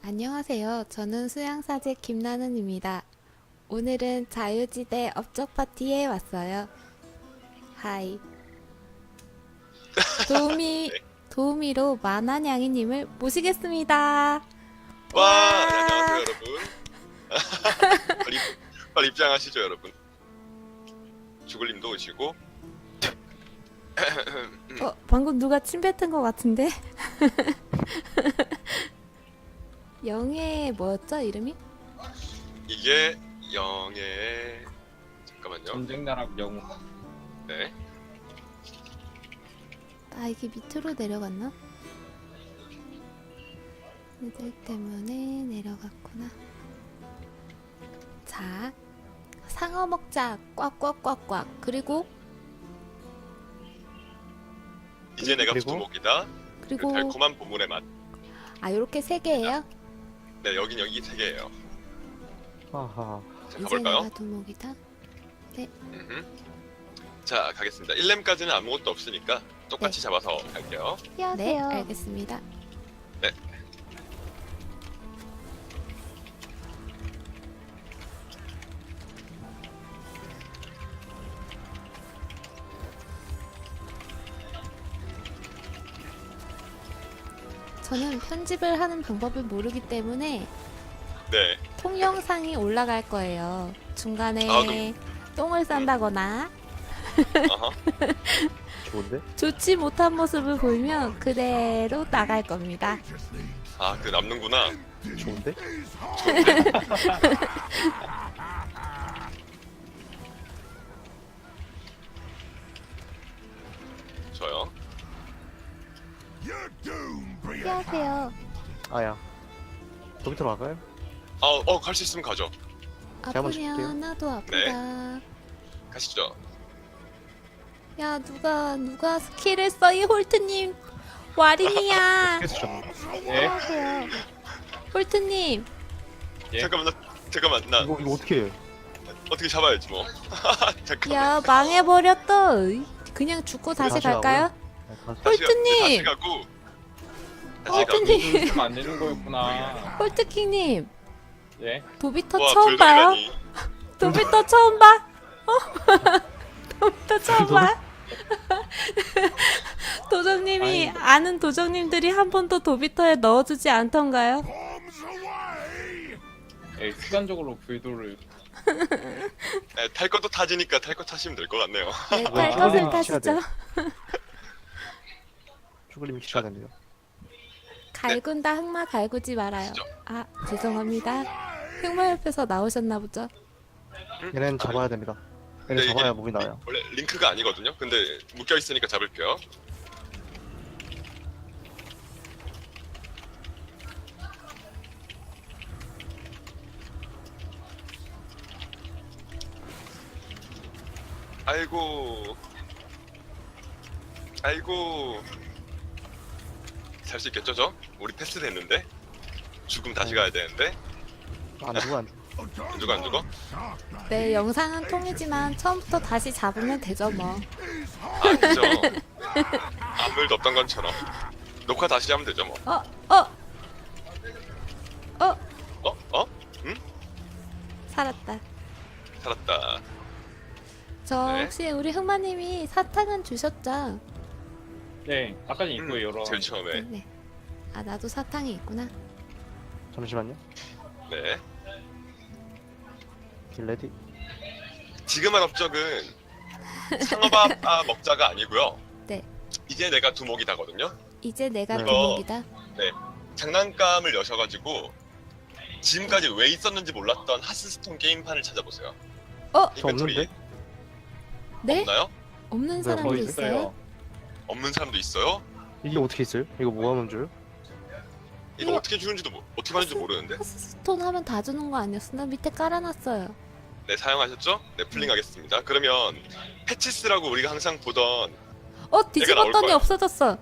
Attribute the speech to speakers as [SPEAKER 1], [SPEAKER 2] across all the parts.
[SPEAKER 1] 안녕하세요. 저는 수양사제 김나는입니다. 오늘은 자유지대 업적 파티에 왔어요. 하이. 도우미로 만한양이님을 모시겠습니다.
[SPEAKER 2] 와, 네, 안녕하세요 여러분. 빨리, 빨리 입장하시죠 여러분. 주글님도 오시고.
[SPEAKER 1] 방금 누가 침 뱉은 것 같은데? 영의 뭐였죠 이름이?
[SPEAKER 2] 이게 영의 잠깐만요.
[SPEAKER 3] 전쟁나락 영웅.
[SPEAKER 2] 네.
[SPEAKER 1] 아 이게 밑으로 내려갔나? 애들 때문에 내려갔구나. 자, 상어 먹자. 꽉꽉꽉꽉. 그리고
[SPEAKER 2] 이제 내가
[SPEAKER 4] 그리고?
[SPEAKER 2] 두목이다. 그
[SPEAKER 1] 그리고
[SPEAKER 2] 달콤한 보물의 맛.
[SPEAKER 1] 아 요렇게 세 개예요.
[SPEAKER 2] 네, 여긴 여기 세 개예요.
[SPEAKER 4] 아하.
[SPEAKER 2] 자,
[SPEAKER 1] 이제
[SPEAKER 2] 가볼까요?
[SPEAKER 1] 내가 두목이다.
[SPEAKER 2] 음흠. 자, 가겠습니다. 1렘까지는 아무것도 없으니까 똑같이 잡아서 갈게요.
[SPEAKER 1] 네, 알겠습니다.
[SPEAKER 2] 네.
[SPEAKER 1] 저는 편집을 하는 방법을 모르기 때문에
[SPEAKER 2] 네.
[SPEAKER 1] 통영상이 올라갈 거예요. 중간에
[SPEAKER 2] 아,
[SPEAKER 1] 똥을 싼다거나
[SPEAKER 2] 어허.
[SPEAKER 4] 좋은데?
[SPEAKER 1] 좋지 못한 모습을 보이면 그대로 나갈 겁니다.
[SPEAKER 2] 아, 그 남는구나.
[SPEAKER 4] 좋은데?
[SPEAKER 2] 저요.
[SPEAKER 1] 안녕하세요.
[SPEAKER 4] 아야. 더 밑으로 갈까요?
[SPEAKER 2] 갈 수 있으면 가죠.
[SPEAKER 4] 제가 먼저
[SPEAKER 1] 아프면
[SPEAKER 4] 볼게요.
[SPEAKER 1] 나도 아프다.
[SPEAKER 2] 가시죠.
[SPEAKER 1] 야 누가 스킬을 써 이 홀트님 와린이야.
[SPEAKER 4] 그래서 좀
[SPEAKER 3] 예?
[SPEAKER 1] 안녕하세요. 홀트님
[SPEAKER 3] 예?
[SPEAKER 2] 잠깐만, 나
[SPEAKER 4] 이거 어떻게 해?
[SPEAKER 2] 어떻게 잡아야지 뭐. 잠깐만.
[SPEAKER 1] 야 망해버렸다. 그냥 죽고 다시
[SPEAKER 4] 다시
[SPEAKER 1] 갈까요?
[SPEAKER 4] 다시
[SPEAKER 1] 홀트님!
[SPEAKER 2] 다시 가고.
[SPEAKER 1] 홀트님
[SPEAKER 3] 안 되는 거였구나.
[SPEAKER 1] 홀트킹님
[SPEAKER 3] 예?
[SPEAKER 1] 도비터
[SPEAKER 2] 와,
[SPEAKER 1] 처음 봐요?
[SPEAKER 2] 돌돌이라니.
[SPEAKER 1] 도비터 처음 봐? 도비터 처음 봐? 도정님이
[SPEAKER 3] 아니.
[SPEAKER 1] 아는 도정님들이 한 번도 도비터에 넣어주지 않던가요?
[SPEAKER 3] 예, 습관적으로 불도를.
[SPEAKER 2] 네, 탈 것도 타지니까 탈 것 타시면 될 것 같네요.
[SPEAKER 1] 네,
[SPEAKER 4] 아,
[SPEAKER 1] 탈 것을
[SPEAKER 4] 아,
[SPEAKER 1] 타시죠.
[SPEAKER 4] 돼요. 쭈글님이 키셔야 됩니다.
[SPEAKER 1] 갈군다 흑마 갈구지 말아요.
[SPEAKER 2] 진짜.
[SPEAKER 1] 아 죄송합니다. 흑마 옆에서 나오셨나 보죠?
[SPEAKER 4] 얘는 잡아야 됩니다. 얘는
[SPEAKER 2] 네,
[SPEAKER 4] 잡아야
[SPEAKER 2] 이게
[SPEAKER 4] 목이 나와요.
[SPEAKER 2] 원래 링크가 아니거든요. 근데 묶여 있으니까 잡을게요. 아이고, 아이고. 살 수 있겠죠, 저? 우리 패스 됐는데? 죽음 다시 가야 되는데?
[SPEAKER 4] 안 죽어 안 죽어.
[SPEAKER 2] 안 죽어, 안 죽어?
[SPEAKER 1] 네 영상은 통이지만 처음부터 다시 잡으면 되죠 뭐.
[SPEAKER 2] 아니죠. 아무 일도 없던 것처럼. 녹화 다시 하면 되죠, 뭐. 어? 응?
[SPEAKER 1] 살았다.
[SPEAKER 2] 살았다.
[SPEAKER 1] 저
[SPEAKER 2] 네.
[SPEAKER 1] 혹시 우리 흑마님이 사탕은 주셨죠?
[SPEAKER 3] 예, 아까 입구에 열어.
[SPEAKER 2] 제일 처음에.
[SPEAKER 1] 네. 아 나도 사탕이 있구나.
[SPEAKER 4] 잠시만요.
[SPEAKER 2] 네.
[SPEAKER 4] 길레디.
[SPEAKER 2] 지금 한 업적은 상어밥 먹자가 아니고요.
[SPEAKER 1] 네.
[SPEAKER 2] 이제 내가 두목이다거든요.
[SPEAKER 1] 이제 내가
[SPEAKER 4] 네.
[SPEAKER 1] 두목이다.
[SPEAKER 2] 네. 장난감을 여셔가지고 지금까지 왜 있었는지 몰랐던 하스스톤 게임판을 찾아보세요.
[SPEAKER 1] 어?
[SPEAKER 4] 저 없는데?
[SPEAKER 1] 네?
[SPEAKER 2] 없나요?
[SPEAKER 1] 없는
[SPEAKER 4] 네,
[SPEAKER 1] 사람도
[SPEAKER 4] 거의
[SPEAKER 1] 있어요?
[SPEAKER 2] 없는 사람도 있어요?
[SPEAKER 4] 이게 어떻게 있어요? 이거 뭐 하면 줘요?
[SPEAKER 2] 이거
[SPEAKER 1] 이거-
[SPEAKER 2] 어떻게 주는지도 어떻게 하는지 모르는데.
[SPEAKER 1] 하스스톤 하면 다 주는 거 아니었어? 나 밑에 깔아놨어요.
[SPEAKER 2] 네, 사용하셨죠? 네, 풀링하겠습니다. 그러면 패치스라고 우리가 항상 보던 나올
[SPEAKER 1] 뒤집었더니
[SPEAKER 2] 거야.
[SPEAKER 1] 없어졌어.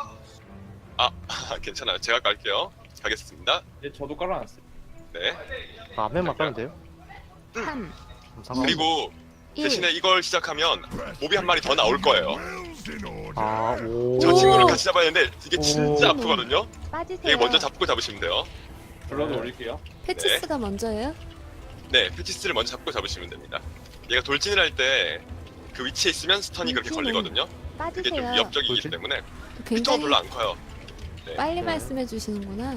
[SPEAKER 2] 괜찮아요. 제가 깔게요. 가겠습니다.
[SPEAKER 3] 예, 저도 깔아놨어요.
[SPEAKER 2] 네.
[SPEAKER 4] 앞면만 까면 돼요?
[SPEAKER 1] 3,
[SPEAKER 4] 그럼 상관없-
[SPEAKER 2] 그리고
[SPEAKER 1] 1.
[SPEAKER 2] 대신에 이걸 시작하면 몹이 한 마리 더 나올 거예요.
[SPEAKER 4] 아, 오.
[SPEAKER 2] 저 친구를 같이 잡아야 되는데 이게 진짜
[SPEAKER 1] 오.
[SPEAKER 2] 아프거든요.
[SPEAKER 1] 빠지세요.
[SPEAKER 2] 이게 먼저 잡고 잡으시면 돼요.
[SPEAKER 3] 불러도 올릴게요.
[SPEAKER 1] 패치스가 먼저예요?
[SPEAKER 2] 네, 패치스를 먼저 잡으시면 됩니다. 얘가 돌진을 할 때 그 위치에 있으면 스턴이 그렇게
[SPEAKER 1] 돌진은
[SPEAKER 2] 걸리거든요. 그게 좀
[SPEAKER 1] 빠지세요.
[SPEAKER 2] 위협적이기
[SPEAKER 4] 돌진?
[SPEAKER 2] 때문에 피통은
[SPEAKER 1] 굉장히
[SPEAKER 2] 별로 안 커요. 네.
[SPEAKER 1] 빨리
[SPEAKER 4] 네.
[SPEAKER 1] 말씀해 주시는구나.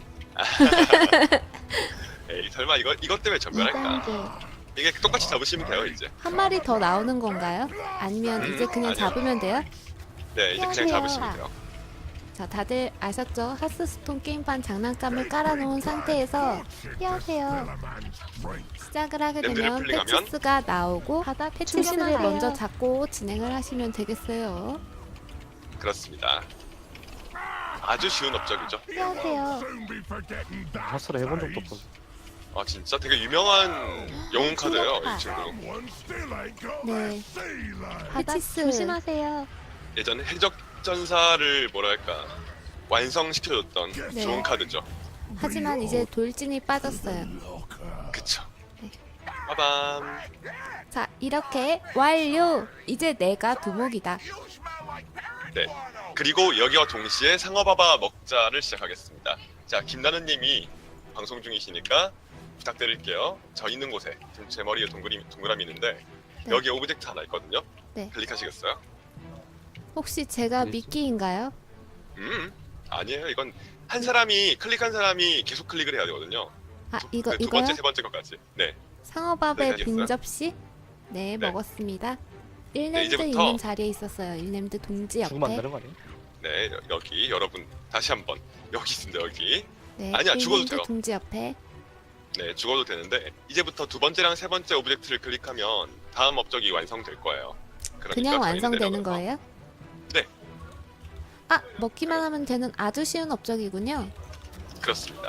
[SPEAKER 2] 에이, 설마 이것 때문에 전멸할까?
[SPEAKER 1] 2단계.
[SPEAKER 2] 이게 똑같이 잡으시면 돼요, 이제.
[SPEAKER 1] 한 마리 더 나오는 건가요? 아니면 이제 그냥
[SPEAKER 2] 아니요.
[SPEAKER 1] 잡으면 돼요?
[SPEAKER 2] 네, 이제 그냥 잡으시면 돼요.
[SPEAKER 1] 자, 다들 아셨죠? 하스스톤 게임판 장난감을 깔아놓은 상태에서 피하세요. 시작을 하게
[SPEAKER 2] 램드를
[SPEAKER 1] 되면
[SPEAKER 2] 플링하면?
[SPEAKER 1] 패치스가 나오고 하다 패치스를
[SPEAKER 5] 조심하세요.
[SPEAKER 1] 먼저 잡고 진행을 하시면 되겠어요.
[SPEAKER 2] 그렇습니다. 아주 쉬운 업적이죠.
[SPEAKER 1] 피하세요.
[SPEAKER 4] 하스를 해본 적도 없어.
[SPEAKER 2] 아, 진짜 되게 유명한 영웅 카드예요, 이 친구.
[SPEAKER 1] 네.
[SPEAKER 5] 바닥
[SPEAKER 1] 패치스.
[SPEAKER 5] 조심하세요.
[SPEAKER 2] 예전에 해적전사를 뭐랄까 완성시켜줬던
[SPEAKER 1] 네.
[SPEAKER 2] 좋은 카드죠.
[SPEAKER 1] 하지만 이제 돌진이 빠졌어요.
[SPEAKER 2] 그쵸.
[SPEAKER 1] 네.
[SPEAKER 2] 빠밤.
[SPEAKER 1] 자, 이렇게 완료! 이제 내가 두목이다.
[SPEAKER 2] 네. 그리고 여기와 동시에 상어바바 먹자를 시작하겠습니다. 자, 김나는님이 방송 중이시니까 부탁드릴게요. 저 있는 곳에 지금 제 머리에 동그라미 있는데
[SPEAKER 1] 네.
[SPEAKER 2] 여기 오브젝트 하나 있거든요.
[SPEAKER 1] 네.
[SPEAKER 2] 클릭하시겠어요?
[SPEAKER 1] 혹시 제가
[SPEAKER 4] 어디 있어?
[SPEAKER 1] 미끼인가요?
[SPEAKER 2] 아니에요. 이건 한 사람이 클릭한 사람이 계속 클릭을 해야 되거든요.
[SPEAKER 1] 아,
[SPEAKER 2] 두
[SPEAKER 1] 이거,
[SPEAKER 2] 번째,
[SPEAKER 1] 이거요?
[SPEAKER 2] 세 번째 것까지. 네.
[SPEAKER 1] 상어밥의
[SPEAKER 2] 네,
[SPEAKER 1] 빈
[SPEAKER 2] 알겠어요.
[SPEAKER 1] 접시? 네,
[SPEAKER 2] 네.
[SPEAKER 1] 먹었습니다. 1렘드
[SPEAKER 2] 이제부터-
[SPEAKER 1] 있는 자리에 있었어요. 1렘드 동지
[SPEAKER 4] 죽으면 안
[SPEAKER 1] 옆에.
[SPEAKER 4] 되는 거 아니에요?
[SPEAKER 2] 네, 여기 여러분 다시 한번 여기 있습니다. 여기.
[SPEAKER 1] 네,
[SPEAKER 2] 아니야, 죽어도
[SPEAKER 1] 1렘드
[SPEAKER 2] 돼요.
[SPEAKER 1] 동지 옆에.
[SPEAKER 2] 네, 죽어도 되는데 이제부터 두 번째랑 세 번째 오브젝트를 클릭하면 다음 업적이 완성될 거예요. 그러니까
[SPEAKER 1] 그냥
[SPEAKER 2] 저희는
[SPEAKER 1] 완성되는
[SPEAKER 2] 내려가서-
[SPEAKER 1] 거예요?
[SPEAKER 2] 네.
[SPEAKER 1] 아, 먹기만 하면 되는 아주 쉬운 업적이군요.
[SPEAKER 2] 그렇습니다.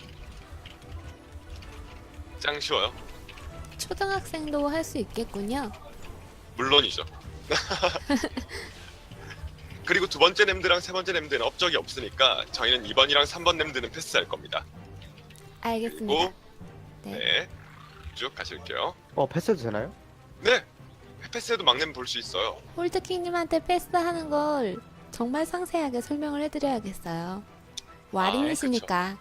[SPEAKER 2] 짱 쉬워요.
[SPEAKER 1] 초등학생도 할 수 있겠군요.
[SPEAKER 2] 물론이죠. 그리고 두 번째 램드랑 세 번째 램드는 업적이 없으니까 저희는 2번이랑 3번 램드는 패스할 겁니다.
[SPEAKER 1] 알겠습니다.
[SPEAKER 2] 그리고
[SPEAKER 1] 네.
[SPEAKER 2] 네, 쭉 가실게요.
[SPEAKER 4] 패스해도 되나요?
[SPEAKER 2] 네, 패스해도 막내면 볼 수 있어요.
[SPEAKER 1] 홀드킹님한테 패스하는 걸 정말 상세하게 설명을 해드려야겠어요. 와린이시니까.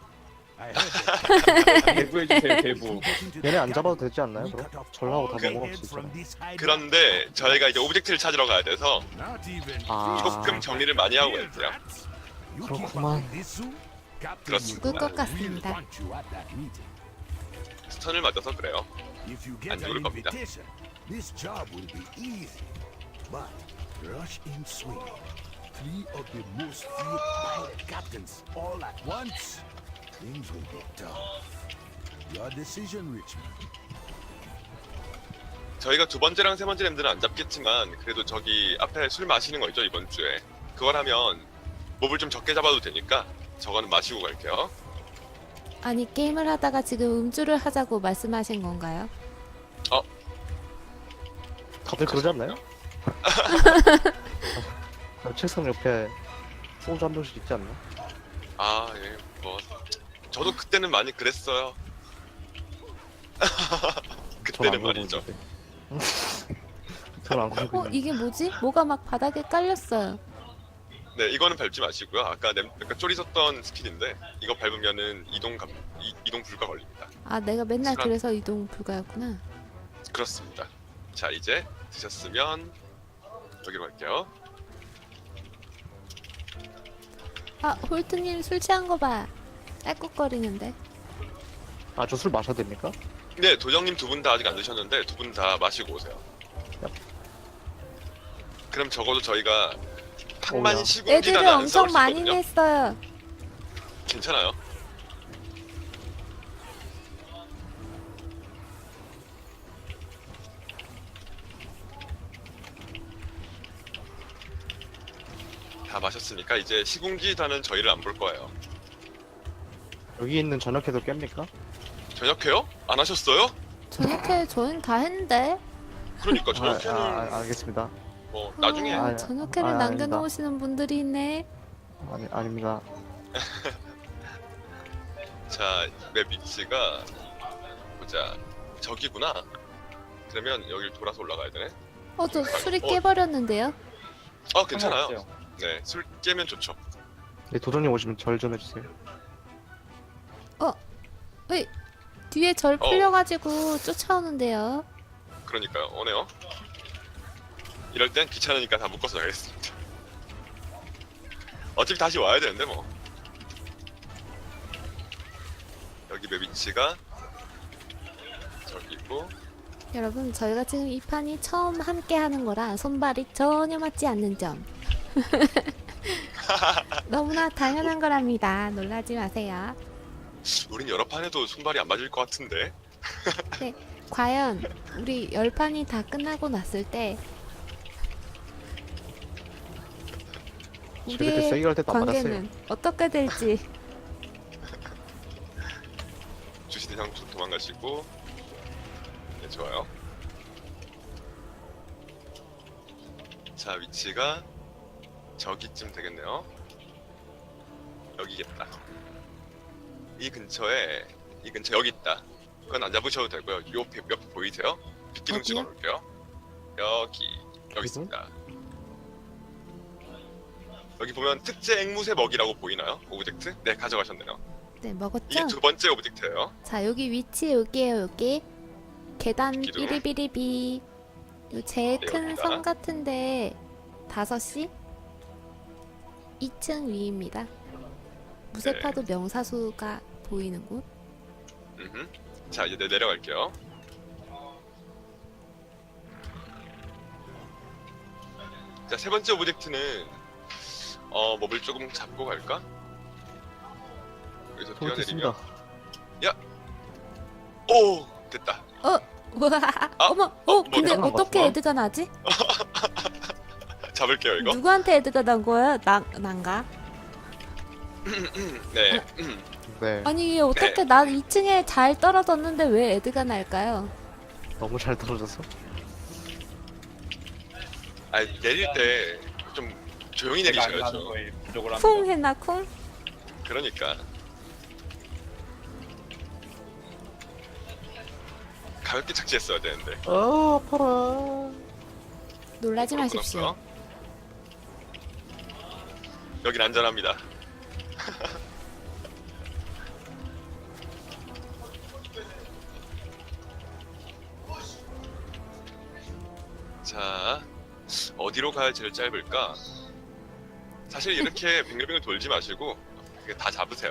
[SPEAKER 3] 대부해주세요, 대부.
[SPEAKER 4] 얘네 안 잡아도 되지 않나요? 그럼? 전라고 다 넘어갈 수 있잖아.
[SPEAKER 2] 그런데 저희가 이제 오브젝트를 찾으러 가야 돼서
[SPEAKER 4] 아.
[SPEAKER 2] 조금 정리를 많이 하고 있어요.
[SPEAKER 4] 그렇구만.
[SPEAKER 2] 그렇습니다.
[SPEAKER 1] 죽을 것 같습니다.
[SPEAKER 2] 스턴을 맞아서 그래요.
[SPEAKER 6] 안 죽을 겁니다. This job will be easy, but rush in swing. 3 of the most feared pirate captains all at once. Things will be tough. Your decision, Richmond.
[SPEAKER 2] 저희가 두 번째랑 세 번째 램드는 안 잡겠지만 그래도 저기 앞에 술 마시는 거 있죠, 이번 주에. 그걸 하면 몹을 좀 적게 잡아도 되니까 저거는 마시고 갈게요.
[SPEAKER 1] 아니, 게임을 하다가 지금 음주를 하자고 말씀하신 건가요?
[SPEAKER 4] 다들 그러지 않나요? 책상 옆에 소주 한 병씩 있지 않나?
[SPEAKER 2] 아, 예, 뭐 저도 그때는 많이 그랬어요. 그때는 말이죠.
[SPEAKER 4] 저는 안 그러고 있는데.
[SPEAKER 1] 이게 뭐지? 뭐가 막 바닥에 깔렸어요.
[SPEAKER 2] 네, 이거는 밟지 마시고요. 아까 쪼리 썼던 스킬인데 이거 밟으면은 이동 불가 걸립니다.
[SPEAKER 1] 아, 내가 맨날
[SPEAKER 2] 시간.
[SPEAKER 1] 그래서 이동 불가였구나.
[SPEAKER 2] 그렇습니다. 자, 이제 드셨으면 여기로 갈게요.
[SPEAKER 1] 아, 홀트님 술 취한 거 봐. 딸꾹거리는데.
[SPEAKER 4] 아, 저 술 마셔도 됩니까?
[SPEAKER 2] 네, 도정님 두 분 다 아직 안 드셨는데 두 분 다 마시고 오세요.
[SPEAKER 4] 얍.
[SPEAKER 2] 그럼 적어도 저희가
[SPEAKER 4] 오야.
[SPEAKER 2] 팡만
[SPEAKER 1] 애들을
[SPEAKER 2] 시궁기단은 안 싸울
[SPEAKER 1] 엄청
[SPEAKER 2] 수
[SPEAKER 1] 많이
[SPEAKER 2] 있거든요.
[SPEAKER 1] 냈어요.
[SPEAKER 2] 괜찮아요. 다 마셨으니까 이제 시궁기단은 저희를 안 볼 거예요.
[SPEAKER 4] 여기 있는 저녁회도 깹니까?
[SPEAKER 2] 저녁해요? 안 하셨어요?
[SPEAKER 1] 저녁에 저희는 다 했는데.
[SPEAKER 2] 그러니까 저녁에는
[SPEAKER 4] 알겠습니다.
[SPEAKER 2] 뭐 나중에
[SPEAKER 4] 아,
[SPEAKER 1] 저녁회를
[SPEAKER 4] 아닙니다.
[SPEAKER 1] 남겨놓으시는 분들이 있네.
[SPEAKER 4] 아닙니다.
[SPEAKER 2] 자, 맵 위치가 보자. 저기구나. 그러면 여기를 돌아서 올라가야 되네.
[SPEAKER 1] 저 술이 깨버렸는데요.
[SPEAKER 2] 괜찮아요.
[SPEAKER 3] 상관없어요.
[SPEAKER 2] 네, 술 깨면 좋죠.
[SPEAKER 4] 네, 도전님 오시면 절 좀 해주세요.
[SPEAKER 1] 어이, 뒤에 절 풀려가지고 쫓아오는데요.
[SPEAKER 2] 그러니까요. 오네요. 이럴 땐 귀찮으니까 다 묶어서 가겠습니다. 어차피 다시 와야 되는데 뭐. 여기 맵 위치가 저기고.
[SPEAKER 1] 여러분, 저희가 지금 이 판이 처음 함께 하는 거라 손발이 전혀 맞지 않는 점. 너무나 당연한 거랍니다. 놀라지 마세요.
[SPEAKER 2] 우린 여러 판에도 손발이 안 맞을 것 같은데.
[SPEAKER 1] 네, 과연 우리 10판이 다 끝나고 났을 때
[SPEAKER 4] 저렇게
[SPEAKER 1] 우리의
[SPEAKER 4] 세게 할 때도 안 맞았어요.
[SPEAKER 1] 관계는 어떻게 될지.
[SPEAKER 2] 주시대 형 도망가시고. 네, 좋아요. 자, 위치가 저기쯤 되겠네요. 여기겠다. 이 근처에 여기 있다. 그건 안 잡으셔도 되고요. 요 벽 보이세요? 빗기둥
[SPEAKER 1] 어디요?
[SPEAKER 2] 찍어놓을게요. 여기 있습니다. 여기 보면 특제 앵무새 먹이라고 보이나요? 오브젝트? 네, 가져가셨네요.
[SPEAKER 1] 네,
[SPEAKER 2] 이게
[SPEAKER 1] 먹었죠?
[SPEAKER 2] 두 번째 오브젝트예요.
[SPEAKER 1] 자, 여기 위치 여기에요, 여기. 계단
[SPEAKER 2] 기둥.
[SPEAKER 1] 삐리비리비. 요 제일
[SPEAKER 2] 네,
[SPEAKER 1] 큰
[SPEAKER 2] 여기다.
[SPEAKER 1] 섬 같은데 5시? 2층 위입니다. 무쇠파도
[SPEAKER 2] 네.
[SPEAKER 1] 명사수가 보이는 곳.
[SPEAKER 2] 자, 이제 내려갈게요. 자, 세 번째 오브젝트는 몹을 조금 잡고 갈까? 여기서
[SPEAKER 4] 잘못했습니다.
[SPEAKER 2] 뛰어내리면 오! 됐다.
[SPEAKER 1] 우와,
[SPEAKER 2] 아,
[SPEAKER 1] 어머, 근데
[SPEAKER 4] 잠깐만,
[SPEAKER 1] 어떻게
[SPEAKER 4] 봤어?
[SPEAKER 1] 애드가 나지?
[SPEAKER 2] 잡을게요, 이거.
[SPEAKER 1] 누구한테 애드가 난 거야? 난가?
[SPEAKER 2] 네.
[SPEAKER 4] 네,
[SPEAKER 1] 아니, 어떻게 난 2층에 잘 떨어졌는데 왜 애드가 날까요?
[SPEAKER 4] 너무 잘 떨어져서.
[SPEAKER 2] 아, 내릴 때 좀 조용히
[SPEAKER 3] 제가 안 가는
[SPEAKER 2] 내리셔야죠.
[SPEAKER 3] 거에 부족을 합니다.
[SPEAKER 1] 쿵 했나, 쿵?
[SPEAKER 2] 그러니까. 가볍게 착지했어야 되는데.
[SPEAKER 4] 아파라.
[SPEAKER 1] 놀라지 마십시오.
[SPEAKER 2] 끊었어요. 여긴 안전합니다. 자, 어디로 가야 제일 짧을까? 사실 이렇게 빙글빙글 돌지 마시고 이게 다 잡으세요.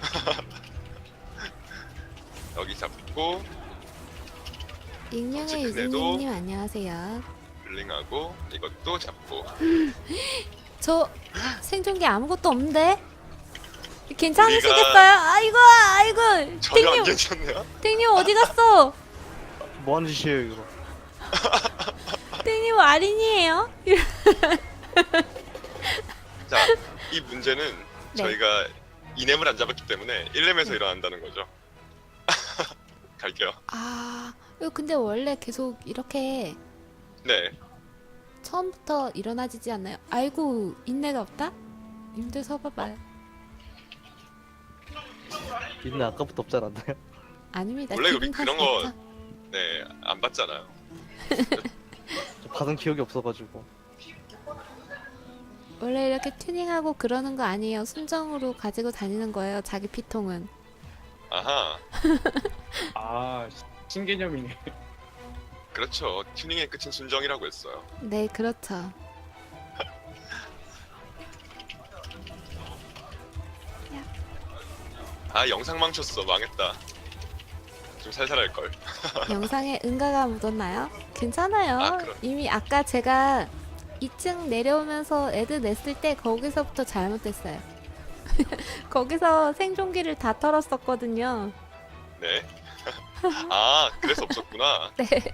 [SPEAKER 2] 여기 잡고
[SPEAKER 1] 익명의
[SPEAKER 2] 체크해도-
[SPEAKER 1] 유진님 안녕하세요.
[SPEAKER 2] 블링하고 이것도 잡고.
[SPEAKER 1] 저 생존기 아무것도 없는데? 괜찮으시겠어요? 아이고,
[SPEAKER 2] 전혀 안
[SPEAKER 1] 땡님,
[SPEAKER 2] 괜찮네요.
[SPEAKER 1] 땡님 어디 갔어?
[SPEAKER 4] 뭐 하는 짓이에요 이거?
[SPEAKER 1] 땡님 아린이에요?
[SPEAKER 2] 자, 이 문제는
[SPEAKER 1] 네.
[SPEAKER 2] 저희가 이넴을 안 잡았기 때문에 1렘에서 일어난다는 거죠. 갈게요.
[SPEAKER 1] 아, 이거 근데 원래 계속 이렇게
[SPEAKER 2] 네.
[SPEAKER 1] 처음부터 일어나지지 않나요? 아이고, 인내가 없다? 님들 서봐봐요.
[SPEAKER 4] 있는 아까부터 없지 않았나요?
[SPEAKER 1] 아닙니다.
[SPEAKER 2] 원래 우리
[SPEAKER 1] 기분
[SPEAKER 2] 그런
[SPEAKER 1] 탓이
[SPEAKER 2] 거-
[SPEAKER 1] 없죠.
[SPEAKER 2] 네, 안 봤잖아요.
[SPEAKER 4] 저 받은 기억이 없어가지고.
[SPEAKER 1] 원래 이렇게 튜닝하고 그러는 거 아니에요. 순정으로 가지고 다니는 거예요. 자기 피통은.
[SPEAKER 2] 아하,
[SPEAKER 3] 아, 신개념이네.
[SPEAKER 2] 그렇죠. 튜닝의 끝은 순정이라고 했어요.
[SPEAKER 1] 네, 그렇죠.
[SPEAKER 2] 아, 영상 망쳤어. 망했다. 좀 살살 할 걸.
[SPEAKER 1] 영상에 응가가 묻었나요? 괜찮아요.
[SPEAKER 2] 아, 그럼.
[SPEAKER 1] 이미 아까 제가 2층 내려오면서 애드 냈을 때 거기서부터 잘못됐어요. 거기서 생존기를 다 털었었거든요.
[SPEAKER 2] 네. 아, 그래서 없었구나.
[SPEAKER 1] 네.
[SPEAKER 2] 자,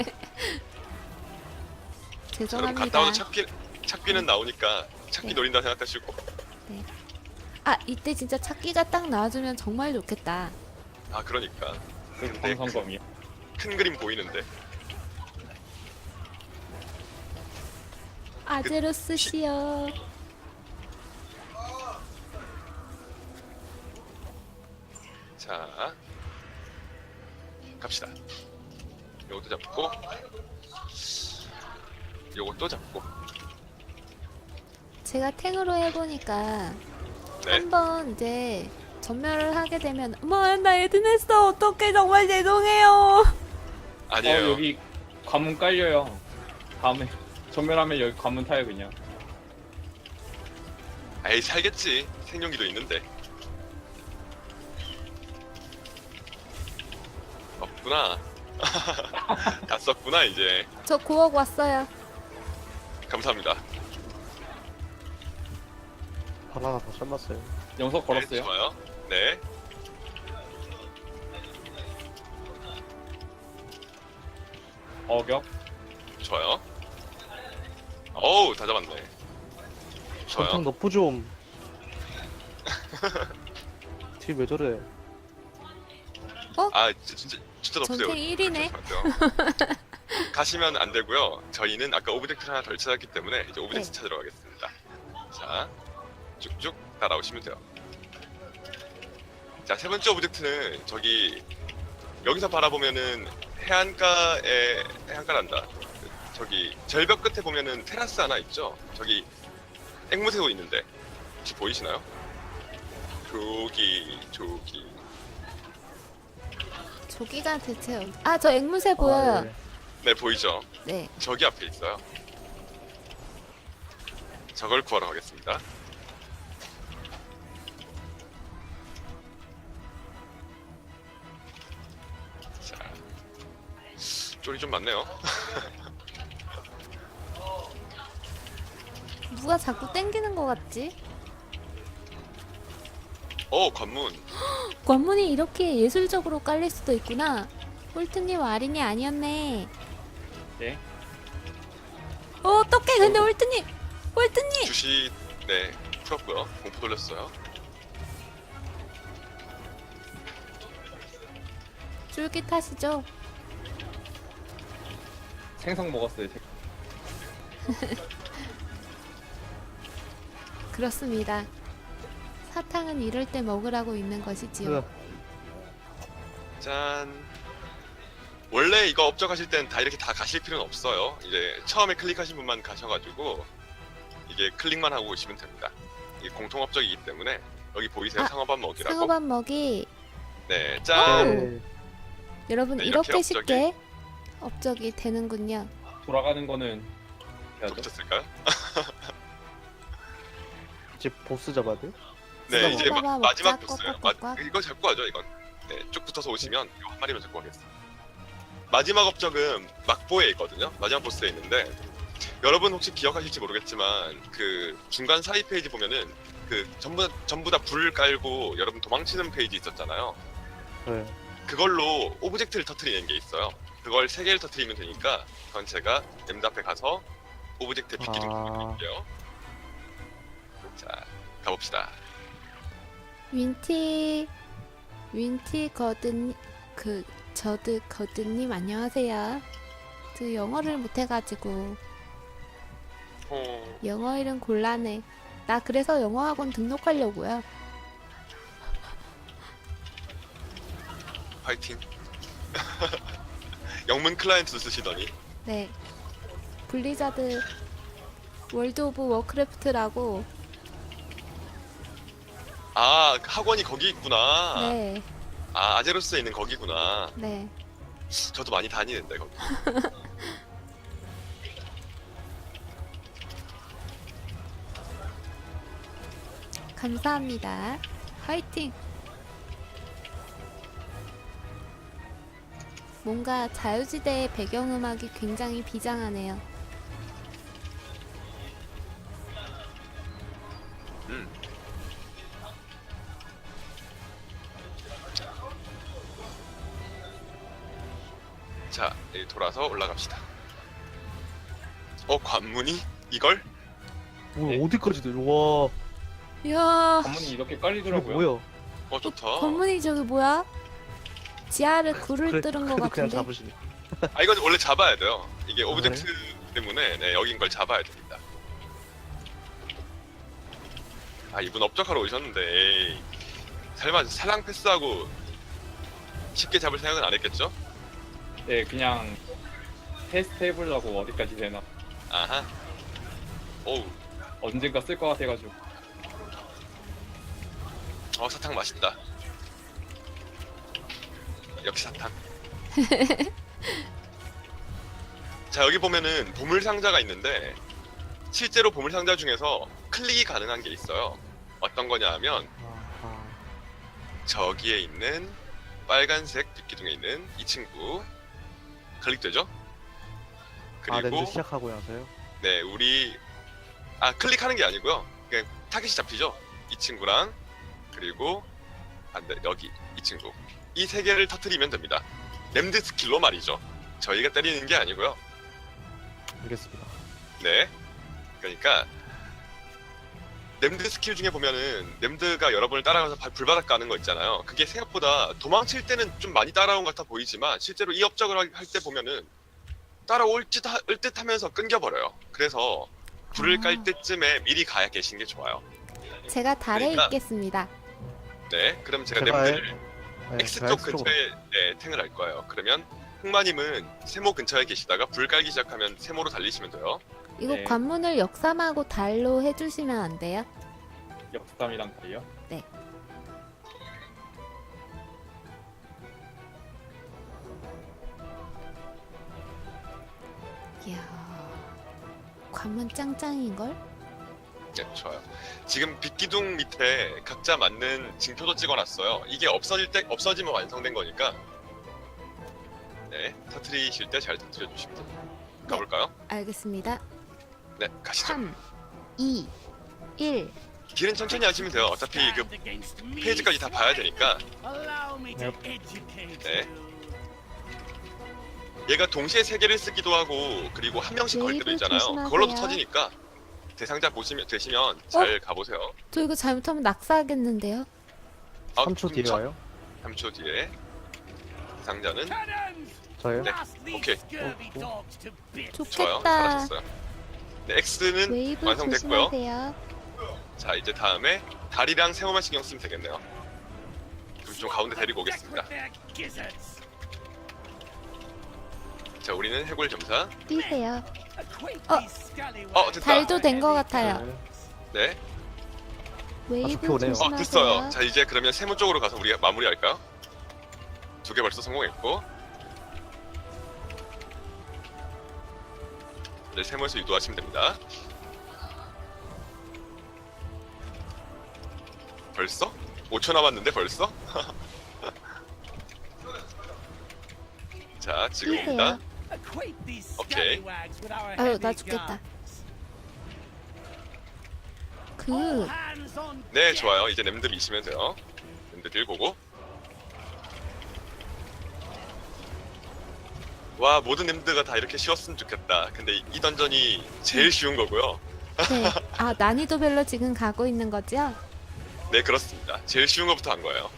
[SPEAKER 2] 그럼
[SPEAKER 1] 죄송합니다.
[SPEAKER 2] 갔다 와도 찾기는 나오니까 찾기
[SPEAKER 1] 네.
[SPEAKER 2] 노린다 생각하시고.
[SPEAKER 1] 아, 이때 진짜 찾기가 딱 나와주면 정말 좋겠다.
[SPEAKER 2] 아, 그러니까.
[SPEAKER 3] 그
[SPEAKER 2] 근데
[SPEAKER 3] 정성검이요.
[SPEAKER 2] 큰 그림 보이는데.
[SPEAKER 1] 아제로스 씨요.
[SPEAKER 2] 자, 갑시다. 요것도 잡고, 요것도 잡고.
[SPEAKER 1] 제가 탱으로 해보니까
[SPEAKER 2] 네.
[SPEAKER 1] 한번 이제 전멸을 하게 되면 나 에드냈어 어떡해 정말 죄송해요.
[SPEAKER 2] 아니에요.
[SPEAKER 3] 여기 관문 깔려요. 다음에 전멸하면 여기 관문 타요 그냥.
[SPEAKER 2] 에이 살겠지. 생존기도 있는데. 없구나. 다 썼구나 이제.
[SPEAKER 1] 저 9억 왔어요.
[SPEAKER 2] 감사합니다.
[SPEAKER 4] 바나나 다 잘랐어요.
[SPEAKER 3] 영석 걸었어요.
[SPEAKER 2] 네, 좋아요. 네.
[SPEAKER 3] 어격.
[SPEAKER 2] 좋아요. 어우 다 잡았네.
[SPEAKER 4] 전통
[SPEAKER 2] 좋아요.
[SPEAKER 4] 너프 좀. 딜왜 저래?
[SPEAKER 2] 아 진짜 없어요.
[SPEAKER 1] 전탱 1위네.
[SPEAKER 2] 가시면 안 되고요. 저희는 아까 오브젝트를 하나 덜 찾았기 때문에 이제 오브젝트
[SPEAKER 1] 네.
[SPEAKER 2] 찾으러 가겠습니다. 자, 쭉쭉 따라오시면 돼요. 자, 세 번째 오브젝트는 저기 여기서 바라보면은 해안가란다. 저기 절벽 끝에 보면은 테라스 하나 있죠. 저기 앵무새도 있는데 혹시 보이시나요? 저기
[SPEAKER 1] 조기가 대체 저 앵무새 보여요.
[SPEAKER 4] 네.
[SPEAKER 2] 네 보이죠?
[SPEAKER 1] 네.
[SPEAKER 2] 저기 앞에 있어요. 저걸 구하러 가겠습니다. 자, 쫄이 좀 많네요.
[SPEAKER 1] 누가 자꾸 땡기는 것 같지?
[SPEAKER 2] 관문.
[SPEAKER 1] 관문이 이렇게 예술적으로 깔릴 수도 있구나. 홀트님 아린이 아니었네.
[SPEAKER 3] 네.
[SPEAKER 1] 어떡해 근데 홀트님
[SPEAKER 2] 주시 네 풀었고요. 공포 돌렸어요.
[SPEAKER 1] 쫄깃하시죠?
[SPEAKER 3] 생선 먹었어요.
[SPEAKER 1] 그렇습니다. 사탕은 이럴 때 먹으라고 있는 것이지요.
[SPEAKER 2] 짠. 원래 이거 업적하실 땐 다 이렇게 다 가실 필요는 없어요. 이제 처음에 클릭하신 분만 가셔가지고 이게 클릭만 하고 오시면 됩니다. 이게 공통 업적이기 때문에 여기 보이세요? 상어밥 먹이라고.
[SPEAKER 1] 상어밥 먹이.
[SPEAKER 2] 네, 짠.
[SPEAKER 4] 네.
[SPEAKER 1] 여러분
[SPEAKER 2] 네,
[SPEAKER 1] 이렇게
[SPEAKER 2] 이렇게
[SPEAKER 1] 쉽게 업적이 되는군요.
[SPEAKER 3] 돌아가는 거는 해야죠.
[SPEAKER 2] 붙었을까요?
[SPEAKER 4] 이제 보스 잡아야 돼?
[SPEAKER 2] 네, 이제
[SPEAKER 1] 먹어봐,
[SPEAKER 2] 마지막
[SPEAKER 1] 먹자,
[SPEAKER 2] 보스예요.
[SPEAKER 1] 꽉꽉꽉.
[SPEAKER 2] 이거 잡고 가죠, 이건. 네, 쭉 붙어서 오시면 이거 한 마리만 잡고 가겠습니다. 마지막 업적은 막보에 있거든요. 마지막 보스에 있는데 여러분 혹시 기억하실지 모르겠지만 그 중간 사이 페이지 보면은 그 전부 다 불을 깔고 여러분 도망치는 페이지 있었잖아요.
[SPEAKER 4] 네.
[SPEAKER 2] 그걸로 오브젝트를 터트리는 게 있어요. 그걸 3개를 터트리면 되니까 그건 제가 엠드 앞에 가서 오브젝트 빗기 좀 부탁드릴게요. 자, 가봅시다.
[SPEAKER 1] 윈티 거든 저드 거든님 안녕하세요. 저 영어를 못해가지고 영어 이름 곤란해. 나 그래서 영어 학원 등록하려고요.
[SPEAKER 2] 파이팅. 영문 클라이언트도 쓰시더니.
[SPEAKER 1] 네. 블리자드 월드 오브 워크래프트라고.
[SPEAKER 2] 아, 학원이 거기 있구나.
[SPEAKER 1] 네.
[SPEAKER 2] 아, 아제로스에 있는 거기구나.
[SPEAKER 1] 네.
[SPEAKER 2] 저도 많이 다니는데 거기.
[SPEAKER 1] 감사합니다. 화이팅! 뭔가 자유지대의 배경음악이 굉장히 비장하네요.
[SPEAKER 2] 자, 여기 돌아서 올라갑시다. 관문이? 이걸?
[SPEAKER 4] 뭐
[SPEAKER 3] 네.
[SPEAKER 4] 어디까지 돼? 와,
[SPEAKER 1] 이야,
[SPEAKER 3] 관문이 이렇게
[SPEAKER 4] 이거
[SPEAKER 3] 깔리더라고요.
[SPEAKER 4] 뭐야?
[SPEAKER 2] 좋다.
[SPEAKER 1] 건문이 저기 뭐야? 지하를 굴을
[SPEAKER 4] 그래,
[SPEAKER 1] 뚫은 것
[SPEAKER 4] 그래도 그냥
[SPEAKER 1] 같은데?
[SPEAKER 4] 잡으시네.
[SPEAKER 2] 아, 이건 원래 잡아야 돼요. 이게 오브젝트
[SPEAKER 4] 그래?
[SPEAKER 2] 때문에 네, 여긴 걸 잡아야 됩니다. 아, 이분 업적하러 오셨는데 에이, 설마 살랑 패스하고 쉽게 잡을 생각은 안 했겠죠?
[SPEAKER 3] 네, 그냥 테스트 해보려고 어디까지 되나.
[SPEAKER 2] 아하. 오우.
[SPEAKER 3] 언젠가 쓸 것 같아가지고.
[SPEAKER 2] 사탕 맛있다. 역시 사탕. 자, 여기 보면은 보물 상자가 있는데 실제로 보물 상자 중에서 클릭이 가능한 게 있어요. 어떤 거냐 하면
[SPEAKER 4] 아하.
[SPEAKER 2] 저기에 있는 빨간색 빗기둥에 있는 이 친구 클릭되죠?
[SPEAKER 4] 랜드
[SPEAKER 2] 그리고
[SPEAKER 4] 시작하고 나서요?
[SPEAKER 2] 네, 클릭하는 게 아니고요. 그냥 타겟이 잡히죠? 이 친구랑 그리고 여기 이 친구. 이 세 개를 터트리면 됩니다. 램드 스킬로 말이죠. 저희가 때리는 게 아니고요.
[SPEAKER 4] 알겠습니다.
[SPEAKER 2] 네. 그러니까 램드 스킬 중에 보면은 램드가 여러분을 따라가서 불바닥 가는 거 있잖아요. 그게 생각보다 도망칠 때는 좀 많이 따라온 것 같아 보이지만 실제로 이 업적을 할 때 보면은 따라올 듯 하면서 끊겨버려요. 그래서 불을 깔 때쯤에 미리 가야 계신 게 좋아요.
[SPEAKER 1] 제가 달에
[SPEAKER 2] 그러니까-
[SPEAKER 1] 있겠습니다.
[SPEAKER 2] 네. 그럼 제가
[SPEAKER 4] 제발.
[SPEAKER 2] 램드를
[SPEAKER 4] 네,
[SPEAKER 2] X
[SPEAKER 4] 제가
[SPEAKER 2] 쪽
[SPEAKER 4] X쪽으로.
[SPEAKER 2] 근처에 탱을 할 거예요. 그러면 흑마님은 세모 근처에 계시다가 불 깔기 시작하면 세모로 달리시면 돼요.
[SPEAKER 1] 이거
[SPEAKER 3] 네.
[SPEAKER 1] 관문을 역삼하고 달로 해주시면 안 돼요?
[SPEAKER 3] 역삼이랑 달이요?
[SPEAKER 1] 이야, 관문 짱짱인걸?
[SPEAKER 2] 네, 좋아요. 지금 빗기둥 밑에 각자 맞는 징표도 찍어놨어요. 이게 없어지면 완성된 거니까. 네, 터트리실 때 잘 터트려 주시면 됩니다. 가볼까요?
[SPEAKER 1] 알겠습니다.
[SPEAKER 2] 네, 가시죠.
[SPEAKER 1] 3, 2, 1.
[SPEAKER 2] 길은 천천히 하시면 돼요. 어차피 그 페이지까지 다 봐야 되니까. 네. 얘가 동시에 세 개를 쓰기도 하고 그리고 한 명씩 걸 때도
[SPEAKER 1] 웨이브
[SPEAKER 2] 있잖아요.
[SPEAKER 1] 조심하세요.
[SPEAKER 2] 그걸로도 터지니까 대상자 되시면 잘 가보세요.
[SPEAKER 1] 저 이거 잘못하면 낙사하겠는데요?
[SPEAKER 4] 3초 뒤에 와요?
[SPEAKER 2] 3초 뒤에 대상자는
[SPEAKER 4] 저요?
[SPEAKER 2] 네. 오케이. 좋아요.
[SPEAKER 1] 좋겠다.
[SPEAKER 2] 잘하셨어요. 네, X는
[SPEAKER 1] 웨이브
[SPEAKER 2] 완성됐고요.
[SPEAKER 1] 조심하세요.
[SPEAKER 2] 자, 이제 다음에 다리랑 세모만 신경 쓰면 되겠네요. 그럼 좀 가운데 데리고 오겠습니다. 자, 우리는 해골 점사.
[SPEAKER 1] 뛰세요.
[SPEAKER 2] 됐다.
[SPEAKER 1] 달도 된 것 같아요.
[SPEAKER 2] 네.
[SPEAKER 1] 웨이브
[SPEAKER 4] 좋게 오네요.
[SPEAKER 1] 조심하세요.
[SPEAKER 2] 됐어요. 자, 이제 그러면 세모 쪽으로 가서 우리가 마무리할까요? 2개 벌써 성공했고. 네, 세모에서 유도하시면 됩니다. 벌써? 5초 남았는데 벌써? 자, 지금입니다. 오케이.
[SPEAKER 1] 아유, 나 죽겠다.
[SPEAKER 2] 네, 좋아요. 이제 램드 미시면 돼요. 램드 딜 보고. 와, 모든 램드가 다 이렇게 쉬웠으면 좋겠다. 근데 이 던전이 제일 쉬운 거고요.
[SPEAKER 1] 네. 아, 난이도별로 지금 가고 있는 거죠?
[SPEAKER 2] 네, 그렇습니다. 제일 쉬운 거부터 한 거예요.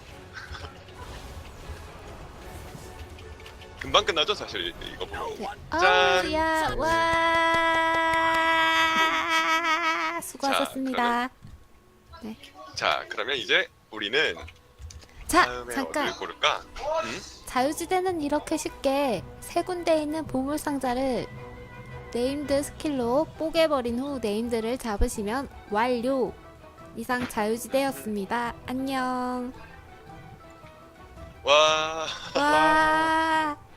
[SPEAKER 2] 금방 끝나죠, 사실 이거 보면.
[SPEAKER 1] 네.
[SPEAKER 2] 짠!
[SPEAKER 1] 야, 와! 수고하셨습니다.
[SPEAKER 2] 자, 그러면 이제 우리는
[SPEAKER 1] 자,
[SPEAKER 2] 다음에
[SPEAKER 1] 잠깐.
[SPEAKER 2] 어디를 고를까?
[SPEAKER 1] 자유지대는 이렇게 쉽게 세 군데 있는 보물 상자를 네임드 스킬로 뽀개버린 후 네임드를 잡으시면 완료! 이상 자유지대였습니다. 안녕.
[SPEAKER 2] 와.
[SPEAKER 1] 와.